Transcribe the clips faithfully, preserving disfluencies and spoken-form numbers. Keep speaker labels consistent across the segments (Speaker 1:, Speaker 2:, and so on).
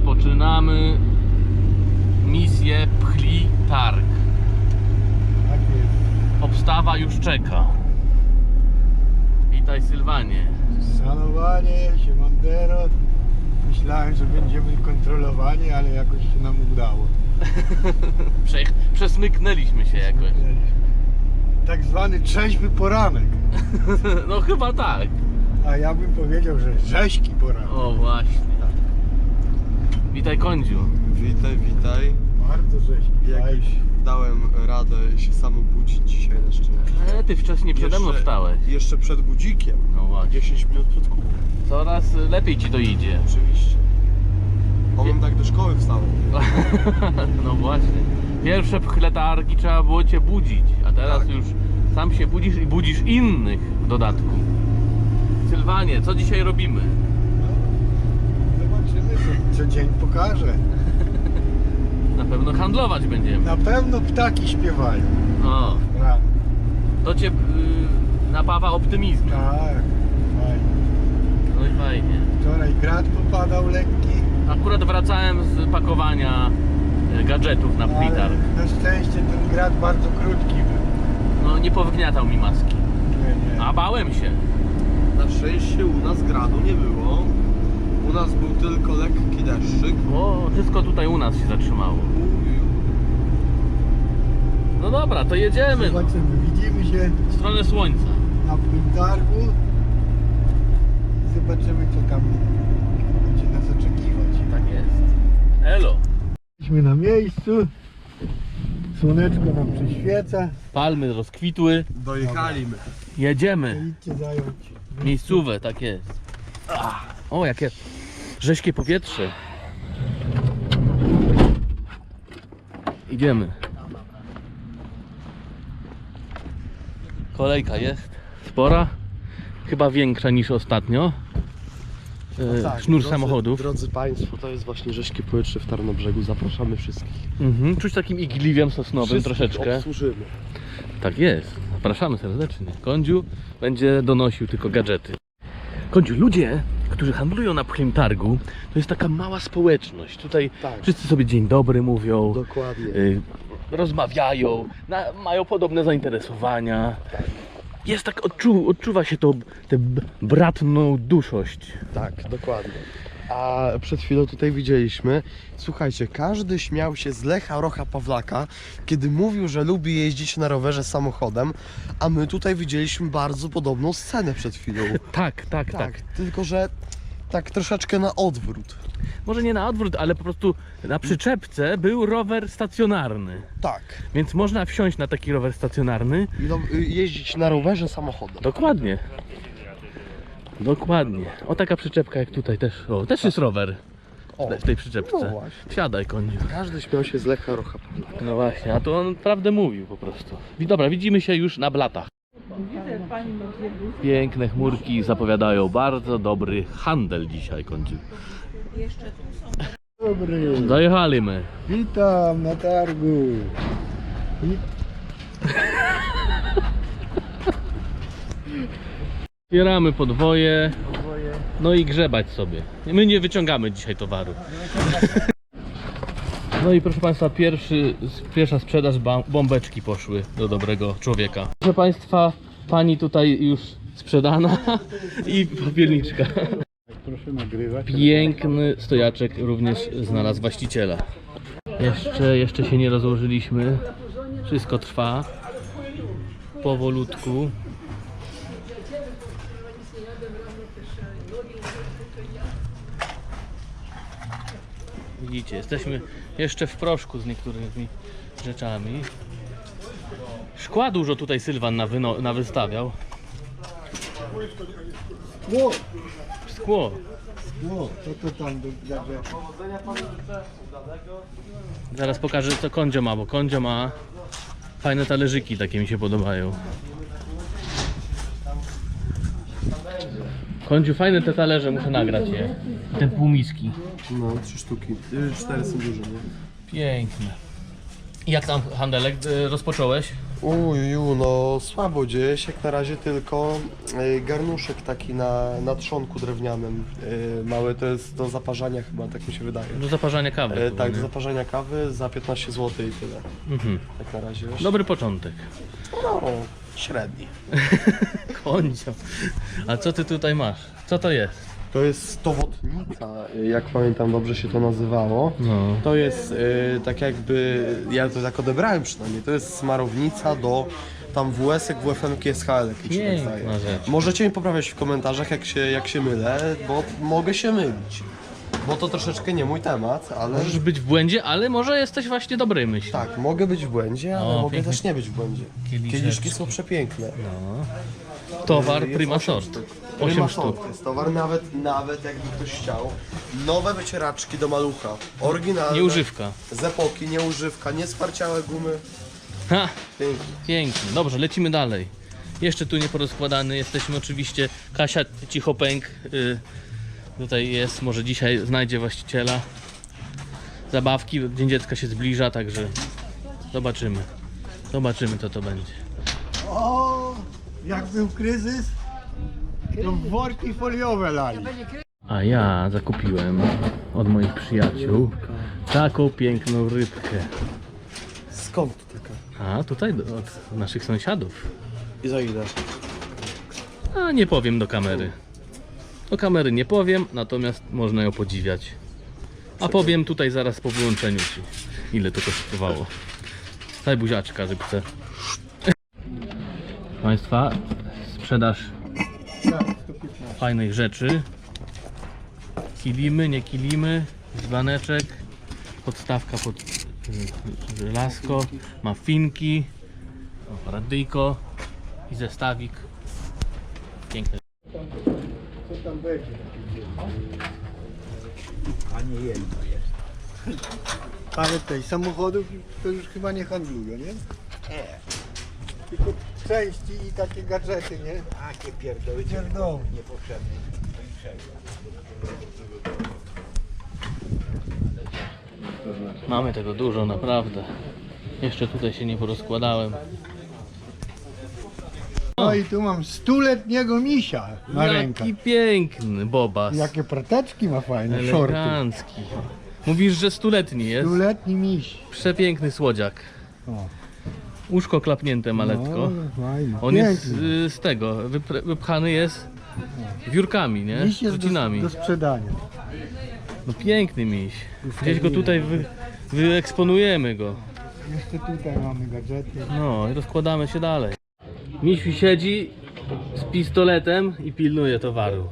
Speaker 1: Rozpoczynamy misję Pchli Targ.
Speaker 2: Tak jest.
Speaker 1: Obstawa już czeka. Witaj Sylwanie.
Speaker 2: Szanowanie, siemandero. Myślałem, że będziemy kontrolowani, ale jakoś się nam udało.
Speaker 1: Prze przesmyknęliśmy się jakoś.
Speaker 2: Tak zwany trzeźwy poranek.
Speaker 1: No chyba tak.
Speaker 2: A ja bym powiedział, że rzeźki poranek.
Speaker 1: O właśnie. Witaj Kądziu.
Speaker 3: Witaj, witaj.
Speaker 2: Bardzo rzeźki.
Speaker 3: Jakoś
Speaker 2: Fajnie.
Speaker 3: dałem radę się sam obudzić dzisiaj na szczęście.
Speaker 1: E, ty wcześniej przede mną
Speaker 3: Jeszcze-
Speaker 1: wstałeś.
Speaker 3: Jeszcze przed budzikiem.
Speaker 1: No właśnie.
Speaker 3: dziesięć minut przed kubą.
Speaker 1: Coraz lepiej ci to idzie.
Speaker 3: Oczywiście. On tak do szkoły wstał.
Speaker 1: No właśnie. Pierwsze pchle targi trzeba było cię budzić, a teraz
Speaker 3: Tak.
Speaker 1: już sam się budzisz i budzisz innych w dodatku. Sylwanie, co dzisiaj robimy?
Speaker 2: No, zobaczymy, co, co dzień pokaże.
Speaker 1: Na pewno handlować będziemy.
Speaker 2: Na pewno ptaki śpiewają.
Speaker 1: O,
Speaker 2: Rano.
Speaker 1: to cię yy, napawa optymizmem.
Speaker 2: Tak, fajnie.
Speaker 1: No i fajnie.
Speaker 2: Wczoraj grat popadał lekki,
Speaker 1: Akurat wracałem z pakowania y, gadżetów na pchli
Speaker 2: ale
Speaker 1: targ.
Speaker 2: na szczęście ten grat bardzo krótki był.
Speaker 1: No nie powygniatał mi maski.
Speaker 2: Nie, nie.
Speaker 1: A bałem się.
Speaker 3: Na szczęście u nas gradu nie było. U nas był tylko lekki deszczyk.
Speaker 1: O, wszystko tutaj u nas się zatrzymało. No dobra, to jedziemy no,
Speaker 2: Zobaczymy, widzimy się
Speaker 1: w stronę słońca.
Speaker 2: na targu i zobaczymy, co tam będzie nas oczekiwać.
Speaker 1: Tak jest. Elo.
Speaker 2: Jesteśmy na miejscu, słoneczko nam przyświeca,
Speaker 1: Palmy rozkwitły.
Speaker 3: Dojechaliśmy.
Speaker 1: Jedziemy.
Speaker 2: idźcie zająć.
Speaker 1: Miejscówę, tak jest. Ach, o, jakie rześkie powietrze. Idziemy. Kolejka jest spora. Chyba większa niż ostatnio. E, Sznur
Speaker 3: drodzy,
Speaker 1: samochodów.
Speaker 3: Drodzy Państwo, to jest właśnie rzeźkie powietrze w Tarnobrzegu. Zapraszamy wszystkich.
Speaker 1: Mhm, czuć takim igliwiem sosnowym
Speaker 3: Wszystkich
Speaker 1: troszeczkę.
Speaker 3: obsłużymy.
Speaker 1: Tak jest. Zapraszamy serdecznie. Kądziu będzie donosił tylko gadżety. Kądziu, ludzie, którzy handlują na pchlim targu, to jest taka mała społeczność. Tutaj
Speaker 3: Tak.
Speaker 1: wszyscy sobie dzień dobry mówią,
Speaker 3: Dokładnie.
Speaker 1: y, rozmawiają, na, mają podobne zainteresowania. Jest tak, odczu, odczuwa się to, tę b- bratną duszość.
Speaker 3: Tak, dokładnie. A przed chwilą tutaj widzieliśmy, słuchajcie, każdy śmiał się z Lecha Rocha Pawlaka, kiedy mówił, że lubi jeździć na rowerze samochodem, a my tutaj widzieliśmy bardzo podobną scenę przed chwilą.
Speaker 1: Tak, tak, tak.
Speaker 3: Tak, tylko że tak troszeczkę na odwrót.
Speaker 1: Może nie na odwrót, ale po prostu na przyczepce był rower stacjonarny.
Speaker 3: Tak.
Speaker 1: Więc można wsiąść na taki rower stacjonarny.
Speaker 3: I no, y, jeździć na rowerze samochodem.
Speaker 1: Dokładnie. Dokładnie. O, taka przyczepka jak tutaj też. O, też jest rower
Speaker 3: O,
Speaker 1: w tej przyczepce.
Speaker 3: no właśnie.
Speaker 1: Siadaj, koniu.
Speaker 3: Każdy śmiał się z Lecha Rocha Pawlaka.
Speaker 1: No właśnie, a to on prawdę mówił po prostu. I dobra, widzimy się już na blatach. Piękne chmurki zapowiadają bardzo dobry handel dzisiaj, kądziu.
Speaker 2: Dobry,
Speaker 1: Dojechaliśmy.
Speaker 2: witam na targu. I
Speaker 1: Otwieramy podwoje, no i grzebać sobie. My nie wyciągamy dzisiaj towaru. No i proszę Państwa, pierwszy, pierwsza sprzedaż ba- bombeczki poszły do dobrego człowieka. Proszę Państwa, pani tutaj już sprzedana i popielniczka.
Speaker 2: proszę nagrywać.
Speaker 1: Piękny stojaczek również znalazł właściciela. Jeszcze, jeszcze się nie rozłożyliśmy. Wszystko trwa powolutku. Widzicie, jesteśmy jeszcze w proszku z niektórymi rzeczami. Szkła dużo tutaj Sylwan nawyno- nawystawiał.
Speaker 2: Ło,
Speaker 1: Szkło.
Speaker 2: ło, co to tam do gadżetu?
Speaker 1: Zaraz pokażę co Kondzio ma, bo Kondzio ma fajne talerzyki, takie mi się podobają. Kondziu, fajne te talerze, muszę nagrać je. Te półmiski.
Speaker 3: No, trzy sztuki. Y, Cztery są duże, nie?
Speaker 1: Piękne. I jak tam handelek y, rozpocząłeś?
Speaker 3: Uju, no słabo dzieje się, jak na razie tylko y, garnuszek taki na, na trzonku drewnianym. Y, mały, to jest do zaparzania chyba, tak mi się wydaje.
Speaker 1: Do zaparzania kawy.
Speaker 3: E,
Speaker 1: chyba,
Speaker 3: tak, do
Speaker 1: nie?
Speaker 3: zaparzenia kawy za piętnaście złotych i tyle.
Speaker 1: Mhm.
Speaker 3: Tak na razie.
Speaker 1: Dobry początek.
Speaker 3: No, średni.
Speaker 1: Koncio. A co ty tutaj masz? Co to jest?
Speaker 3: To jest stowotnica, jak pamiętam dobrze się to nazywało.
Speaker 1: No.
Speaker 3: To jest y, tak jakby, ja to tak odebrałem przynajmniej, to jest smarownica do tam W S-ek, W F M-ki, S H L-ek, mi się tak
Speaker 1: Piękna
Speaker 3: zdaje.
Speaker 1: rzecz.
Speaker 3: Możecie mi poprawiać w komentarzach, jak się, jak się mylę, bo mogę się mylić. Bo to troszeczkę nie mój temat, ale...
Speaker 1: Możesz być w błędzie, ale może jesteś właśnie dobrej myśli.
Speaker 3: Tak, mogę być w błędzie, ale
Speaker 1: O,
Speaker 3: mogę
Speaker 1: pięknie.
Speaker 3: też nie być w błędzie.
Speaker 1: Kieliszeczki.
Speaker 3: Kieliszki są przepiękne.
Speaker 1: No. Towar
Speaker 3: Jest
Speaker 1: prima
Speaker 3: osiem
Speaker 1: sort.
Speaker 3: sztuk.
Speaker 1: osiem
Speaker 3: Prima
Speaker 1: sztuk.
Speaker 3: sort jest towar, nawet, nawet jakby ktoś chciał. Nowe wycieraczki do malucha. Oryginalne.
Speaker 1: Nieużywka.
Speaker 3: Z epoki, nieużywka, niesparciałe gumy.
Speaker 1: Ha!
Speaker 3: Pięknie.
Speaker 1: Pięknie. Dobrze, lecimy dalej. Jeszcze tu nie porozkładany. Jesteśmy oczywiście. Kasia Cichopęk. Y, tutaj jest. Może dzisiaj znajdzie właściciela. Zabawki. Dzień Dziecka się zbliża, także zobaczymy. Zobaczymy, co to będzie.
Speaker 2: O, jak był kryzys, to worki foliowe lali.
Speaker 1: A ja zakupiłem od moich przyjaciół taką piękną rybkę.
Speaker 3: Skąd to taka?
Speaker 1: A tutaj do- od naszych sąsiadów.
Speaker 3: I za ile?
Speaker 1: A nie powiem do kamery. Do kamery nie powiem, natomiast można ją podziwiać. A powiem tutaj zaraz po wyłączeniu ci, ile to kosztowało. Daj buziaczka rybce. Państwa, sprzedaż fajnych rzeczy. Kilimy, nie kilimy, dzbaneczek, podstawka pod y, żelazko, mafinki, o, radyjko i zestawik. Piękny.
Speaker 2: Co tam będzie? A nie jedno jest. Ale tej samochodów to już chyba nie handlują, nie? Nie. Tylko części i takie gadżety, nie?
Speaker 4: Takie pierdoły,
Speaker 2: Pierdoły.
Speaker 4: niepotrzebne.
Speaker 1: Mamy tego dużo, naprawdę. Jeszcze tutaj się nie porozkładałem.
Speaker 2: No i tu mam stuletniego misia na rękach.
Speaker 1: Jaki piękny bobas.
Speaker 2: Jakie proteczki ma fajne, shorty.
Speaker 1: Elegancki. Mówisz, że stuletni jest?
Speaker 2: Stuletni miś.
Speaker 1: Przepiękny słodziak.
Speaker 2: O.
Speaker 1: Uszko klapnięte maletko.
Speaker 2: No, fajny.
Speaker 1: On jest
Speaker 2: Piękny.
Speaker 1: y, z tego, wypr- wypchany jest wiórkami, nie?
Speaker 2: Miś jest do,
Speaker 1: Rucinami.
Speaker 2: do sprzedania.
Speaker 1: No piękny miś. Gdzieś go tutaj wy, wyeksponujemy go.
Speaker 2: Jeszcze tutaj mamy gadżety.
Speaker 1: No i rozkładamy się dalej. Misiu siedzi z pistoletem i pilnuje towaru.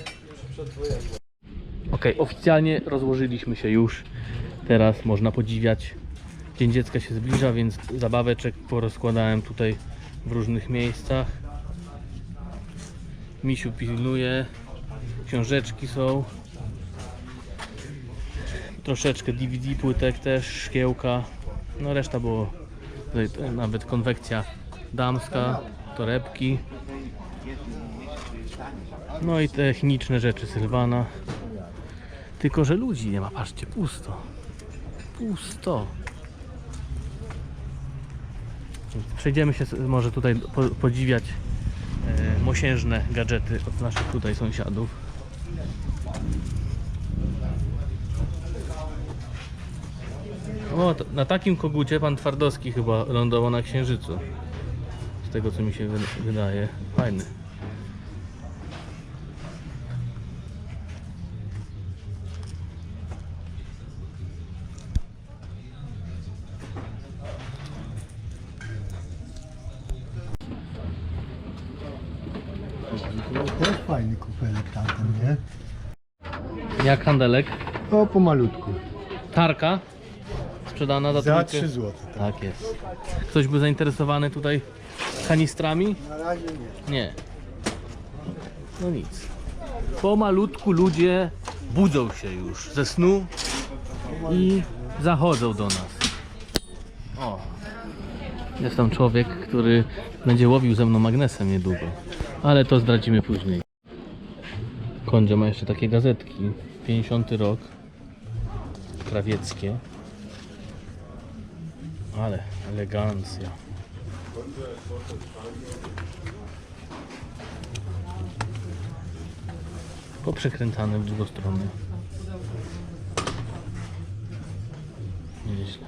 Speaker 1: Ok, oficjalnie rozłożyliśmy się już. Teraz można podziwiać. Dzień Dziecka się zbliża, więc zabaweczek porozkładałem tutaj w różnych miejscach. Misiu pilnuje. Książeczki są. Troszeczkę D V D płytek też, szkiełka. No reszta było tutaj nawet konwekcja damska, torebki. No i techniczne rzeczy Sylwana. Tylko że ludzi nie ma, patrzcie, pusto. Pusto. Przejdziemy się może tutaj po, podziwiać e, mosiężne gadżety od naszych tutaj sąsiadów. O, to, na takim kogucie pan Twardowski chyba lądował na Księżycu. Z tego co mi się wy- wydaje. Fajny.
Speaker 2: To też fajny kufelek tamten, nie?
Speaker 1: Jak handelek?
Speaker 2: O, pomalutku.
Speaker 1: Tarka sprzedana za,
Speaker 2: Za
Speaker 1: trójkę.
Speaker 2: trzy złote. Tak.
Speaker 1: Tak jest. Ktoś był zainteresowany tutaj kanistrami?
Speaker 2: Na razie nie.
Speaker 1: Nie. No nic. Pomalutku ludzie budzą się już ze snu i zachodzą do nas. O. Jest tam człowiek, który będzie łowił ze mną magnesem niedługo. Ale to zdradzimy później. Kondzio ma jeszcze takie gazetki. pięćdziesiąty rok. Krawieckie. Ale elegancja. Poprzekręcane w drugą stronę. Nieźle.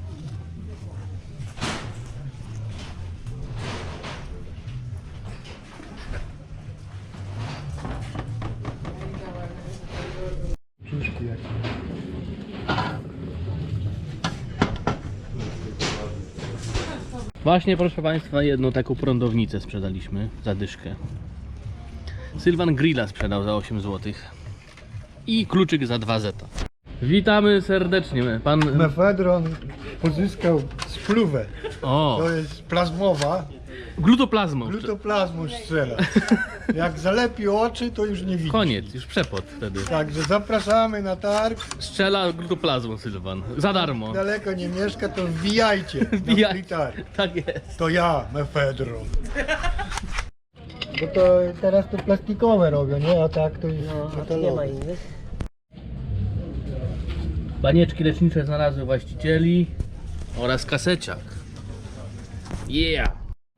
Speaker 1: Właśnie, proszę Państwa, jedną taką prądownicę sprzedaliśmy za dyszkę. Sylwan Grilla sprzedał za osiem złotych i kluczyk za dwa zeta. Witamy serdecznie. Pan...
Speaker 2: Mefedron pozyskał spluwę.
Speaker 1: O,
Speaker 2: To jest plazmowa.
Speaker 1: glutoplazmą.
Speaker 2: Glutoplazmu strzela. Jak zalepi oczy, to już nie widzi.
Speaker 1: Koniec, już przepot wtedy.
Speaker 2: Także zapraszamy na targ.
Speaker 1: Strzela glutoplazmą Sylwan. Za darmo.
Speaker 2: Daleko nie mieszka, to wbijajcie na
Speaker 1: Wbijaj-
Speaker 2: free targ.
Speaker 1: Tak jest.
Speaker 2: To ja, Mefedron. Bo to teraz to plastikowe robią, nie? A tak to jest metalowe.
Speaker 1: Banieczki lecznicze znalazły właścicieli oraz kaseciak. Yeah!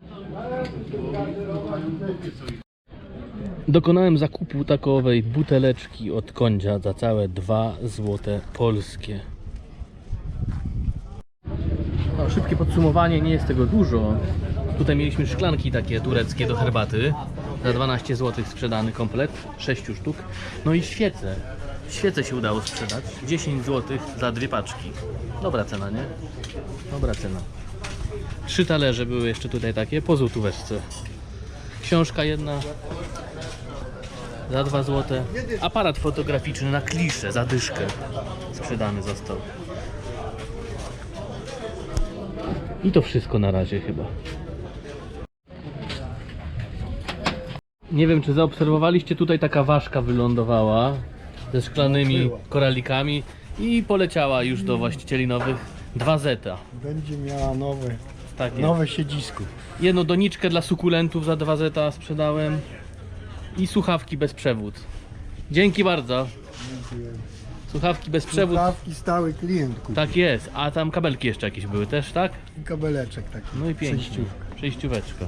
Speaker 1: Dokonałem zakupu takowej buteleczki od Kondzia za całe dwa złote polskie. No, szybkie podsumowanie, nie jest tego dużo. Tutaj mieliśmy szklanki takie tureckie do herbaty. Za dwanaście złotych sprzedany komplet, sześć sztuk. No i świece. Świece się udało sprzedać. dziesięć złotych za dwie paczki. Dobra cena, nie? Dobra cena. Trzy talerze były jeszcze tutaj takie, po złotóweczce. Książka jedna za dwa złote. Aparat fotograficzny na kliszę za dyszkę sprzedany został. I to wszystko na razie chyba. Nie wiem, czy zaobserwowaliście, tutaj taka ważka wylądowała ze szklanymi koralikami i poleciała już do właścicieli nowych dwa zeta.
Speaker 2: Będzie miała nowe,
Speaker 1: Tak jest.
Speaker 2: nowe siedzisko.
Speaker 1: Jedną doniczkę dla sukulentów za dwa zeta sprzedałem i słuchawki bez przewód. Dzięki bardzo. Słuchawki bez przewód.
Speaker 2: Słuchawki stały klient kupił.
Speaker 1: Tak jest, a tam kabelki jeszcze jakieś były też, tak?
Speaker 2: I kabeleczek taki.
Speaker 1: No i pięknie.
Speaker 2: Przejściówka.
Speaker 1: Przejścióweczka.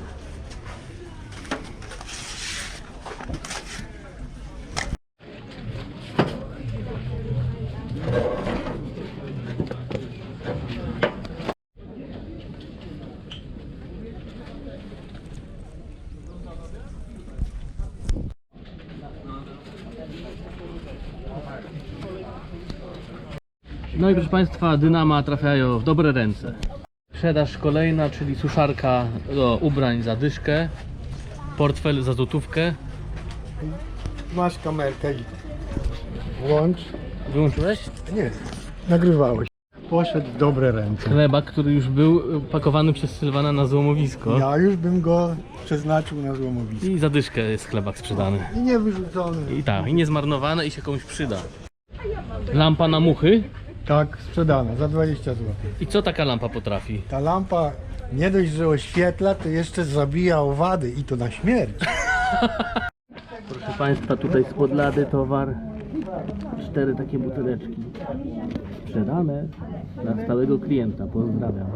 Speaker 1: No i proszę Państwa, dynama trafiają w dobre ręce. Sprzedaż kolejna, czyli suszarka do ubrań za dyszkę, portfel za złotówkę.
Speaker 2: Masz kamerkę i włącz.
Speaker 1: Wyłączyłeś?
Speaker 2: Nie, nagrywałeś. Poszedł w dobre ręce.
Speaker 1: Chleba, który już był pakowany przez Sylwana na złomowisko.
Speaker 2: Ja już bym go przeznaczył na złomowisko.
Speaker 1: I za dyszkę jest chlebak sprzedany.
Speaker 2: I nie wyrzucony.
Speaker 1: I tak, i niezmarnowane i się komuś przyda. Lampa na muchy.
Speaker 2: Tak, sprzedane za dwadzieścia złotych.
Speaker 1: I co taka lampa potrafi?
Speaker 2: Ta lampa nie dość, że oświetla, to jeszcze zabija owady i to na śmierć.
Speaker 1: Proszę Państwa, tutaj spod lady towar. Cztery takie buteleczki. Sprzedane dla stałego klienta. Pozdrawiam.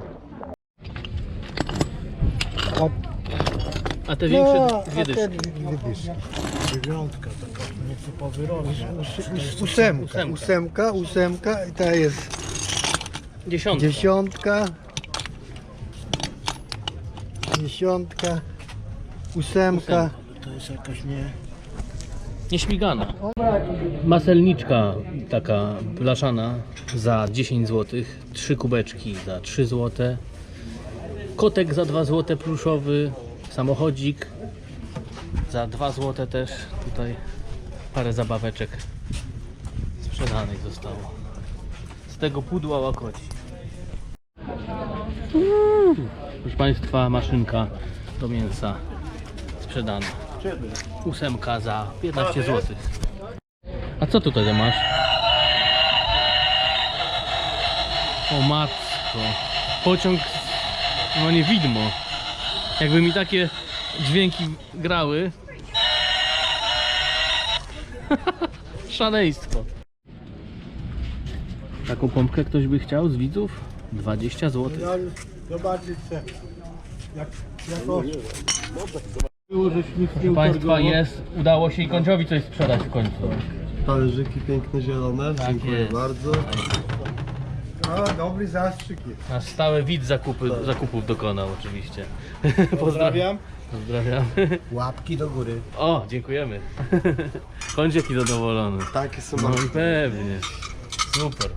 Speaker 2: A,
Speaker 1: A te większe
Speaker 2: no,
Speaker 1: dwie
Speaker 2: a te
Speaker 1: dyszki.
Speaker 2: dwie dyszki. Dziewiątka taka, nieco powyrośnie. Ósemka,
Speaker 1: Ósemka.
Speaker 2: ósemka, ósemka i ta jest
Speaker 1: Dziesiątka.
Speaker 2: dziesiątka. Dziesiątka. Ósemka.
Speaker 3: To jest jakaś nie...
Speaker 1: Nieśmigana. Maselniczka taka blaszana za dziesięć złotych. Trzy kubeczki za trzy złote. Kotek za dwa złote pluszowy. Samochodzik za dwa złote też. Tutaj parę zabaweczek sprzedanych zostało. Z tego pudła łakoci. Proszę Państwa, maszynka do mięsa sprzedana. Ósemka za piętnaście złotych. A co tutaj masz? O matko. Pociąg, no nie widmo. Jakby mi takie dźwięki grały. Szaleństwo. Taką pompkę ktoś by chciał z widzów? dwadzieścia złotych.
Speaker 2: Ja już zobaczyć chcę. Jak, jako...
Speaker 1: Proszę Państwa, jest, udało się i Kądziowi coś sprzedać w końcu.
Speaker 3: Talerzyki piękne, zielone.
Speaker 1: Tak
Speaker 3: Dziękuję
Speaker 1: jest.
Speaker 3: bardzo.
Speaker 2: O, dobry zastrzyk jest.
Speaker 1: Nasz stały widz zakupy, zakupów dokonał oczywiście.
Speaker 2: Pozdrawiam.
Speaker 1: Pozdrawiam.
Speaker 2: Łapki do góry.
Speaker 1: O, dziękujemy. Kądziek i zadowolony.
Speaker 3: Takie są
Speaker 1: No
Speaker 3: bardzo.
Speaker 1: i pewnie. Super.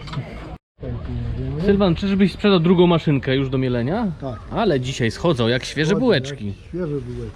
Speaker 1: Sylwan, czyżbyś sprzedał drugą maszynkę już do mielenia?
Speaker 2: Tak.
Speaker 1: Ale dzisiaj schodzą jak świeże bułeczki.
Speaker 2: Jak Świeże bułeczki.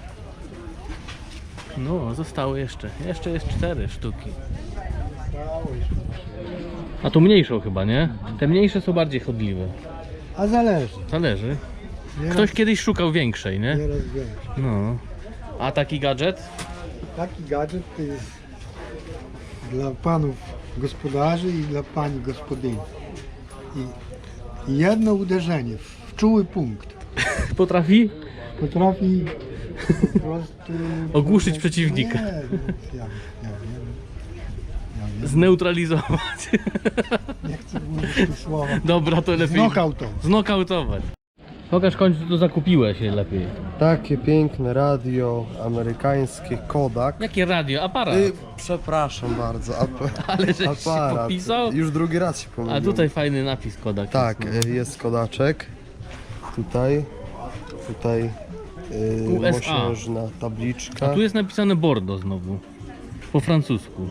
Speaker 1: No, zostały jeszcze. Jeszcze jest cztery sztuki.
Speaker 2: Stało jeszcze.
Speaker 1: A to mniejszą chyba, nie? Te mniejsze są bardziej chodliwe.
Speaker 2: A zależy.
Speaker 1: Zależy.
Speaker 2: Nieraz,
Speaker 1: Ktoś kiedyś szukał większej, nie?
Speaker 2: nieraz większe.
Speaker 1: No. A taki gadżet?
Speaker 2: Taki gadżet to jest dla panów gospodarzy i dla pani gospodyni. I, i jedno uderzenie w czuły punkt
Speaker 1: Potrafi
Speaker 2: potrafi po prostu...
Speaker 1: Ogłuszyć przeciwnika.
Speaker 2: Nie, no, ja, ja wiem. Ja wiem.
Speaker 1: zneutralizować.
Speaker 2: Nie chcę mówić tych słowa.
Speaker 1: Dobra, to lepiej.
Speaker 2: Znokautować.
Speaker 1: Znokautować. Pokaż w końcu, co zakupiłeś się lepiej.
Speaker 3: Takie piękne radio amerykańskie Kodak.
Speaker 1: Jakie radio? Aparat.
Speaker 3: Y, przepraszam bardzo, ap
Speaker 1: Ale żeś się
Speaker 3: aparat.
Speaker 1: popisał?
Speaker 3: Już drugi raz się pomyliłem.
Speaker 1: A tutaj fajny napis Kodak.
Speaker 3: Tak,
Speaker 1: jest,
Speaker 3: y, jest Kodaczek. Tutaj, tutaj y,
Speaker 1: U S A.
Speaker 3: mosiężna tabliczka.
Speaker 1: no. A tu jest napisane Bordeaux znowu. Po francusku.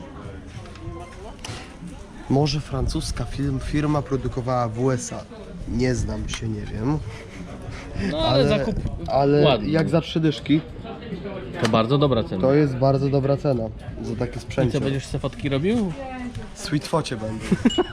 Speaker 3: Może francuska film, firma produkowała w U S A. Nie znam się, nie wiem.
Speaker 1: No ale, zakup
Speaker 3: ale
Speaker 1: ładny.
Speaker 3: jak za trzy dyszki,
Speaker 1: To bardzo dobra cena.
Speaker 3: to jest bardzo dobra cena za takie
Speaker 1: I co,
Speaker 3: sprzęcie.
Speaker 1: będziesz se fotki robił?
Speaker 3: Sweetfocie będą.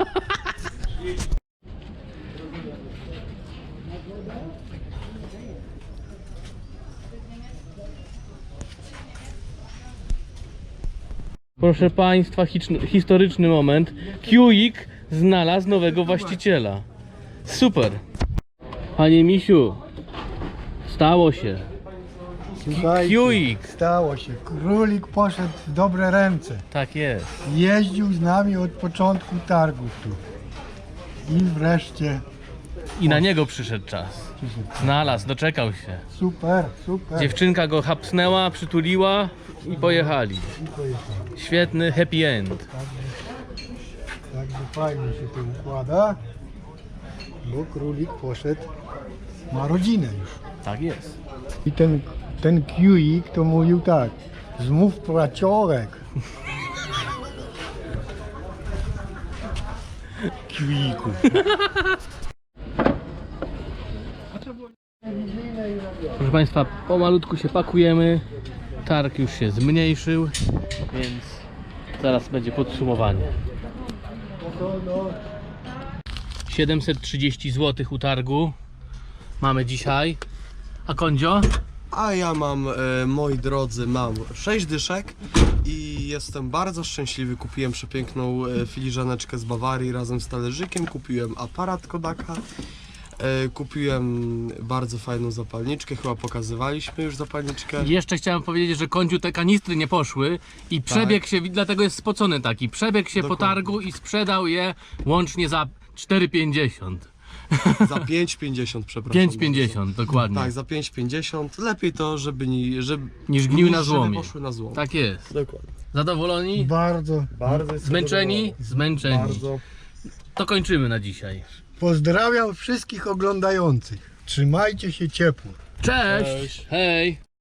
Speaker 1: Proszę Państwa, hicz- historyczny moment. Kiuik znalazł nowego właściciela. Super. Panie Misiu, stało się.
Speaker 2: Słuchajcie,
Speaker 1: Kiuik.
Speaker 2: stało się. Królik poszedł w dobre ręce.
Speaker 1: Tak jest.
Speaker 2: Jeździł z nami od początku targów tu. I wreszcie
Speaker 1: I na niego przyszedł czas. Znalazł, doczekał się.
Speaker 2: super, super.
Speaker 1: Dziewczynka go hapsnęła, przytuliła i pojechali.
Speaker 2: I pojechał.
Speaker 1: Świetny happy end.
Speaker 2: Także fajnie się to układa. Bo królik poszedł, ma rodzinę już.
Speaker 1: Tak jest.
Speaker 2: I ten, ten Kiuik to mówił tak. Zmów praciorek.
Speaker 1: Kiuiku. Proszę Państwa, pomalutku się pakujemy. Targ już się zmniejszył, więc zaraz będzie podsumowanie. siedemset trzydzieści złotych u targu mamy dzisiaj. A Kondzio?
Speaker 3: A ja mam, e, moi drodzy, mam sześć dyszek i jestem bardzo szczęśliwy. Kupiłem przepiękną e, filiżaneczkę z Bawarii razem z talerzykiem, kupiłem aparat Kodaka, e, kupiłem bardzo fajną zapalniczkę, chyba pokazywaliśmy już zapalniczkę.
Speaker 1: Jeszcze chciałem powiedzieć, że Kondziu te kanistry nie poszły i przebiegł się, dlatego jest spocony taki, przebiegł się po
Speaker 3: Dokładnie.
Speaker 1: targu i sprzedał je łącznie za cztery pięćdziesiąt.
Speaker 3: Za pięć pięćdziesiąt, przepraszam.
Speaker 1: pięć
Speaker 3: bardzo.
Speaker 1: pięćdziesiąt, dokładnie.
Speaker 3: Tak, za pięć pięćdziesiąt. Lepiej to, żeby nie, żeby,
Speaker 1: Niż gniły na
Speaker 3: żeby
Speaker 1: złomie.
Speaker 3: poszły na złom.
Speaker 1: Tak jest.
Speaker 3: Dokładnie.
Speaker 1: Zadowoloni?
Speaker 2: Bardzo.
Speaker 3: Bardzo jestem
Speaker 1: Zmęczeni?
Speaker 3: zadowolony.
Speaker 1: Zmęczeni.
Speaker 3: Bardzo.
Speaker 1: To kończymy na dzisiaj.
Speaker 2: Pozdrawiam wszystkich oglądających. Trzymajcie się ciepło.
Speaker 1: Cześć!
Speaker 3: Cześć.
Speaker 1: Hej!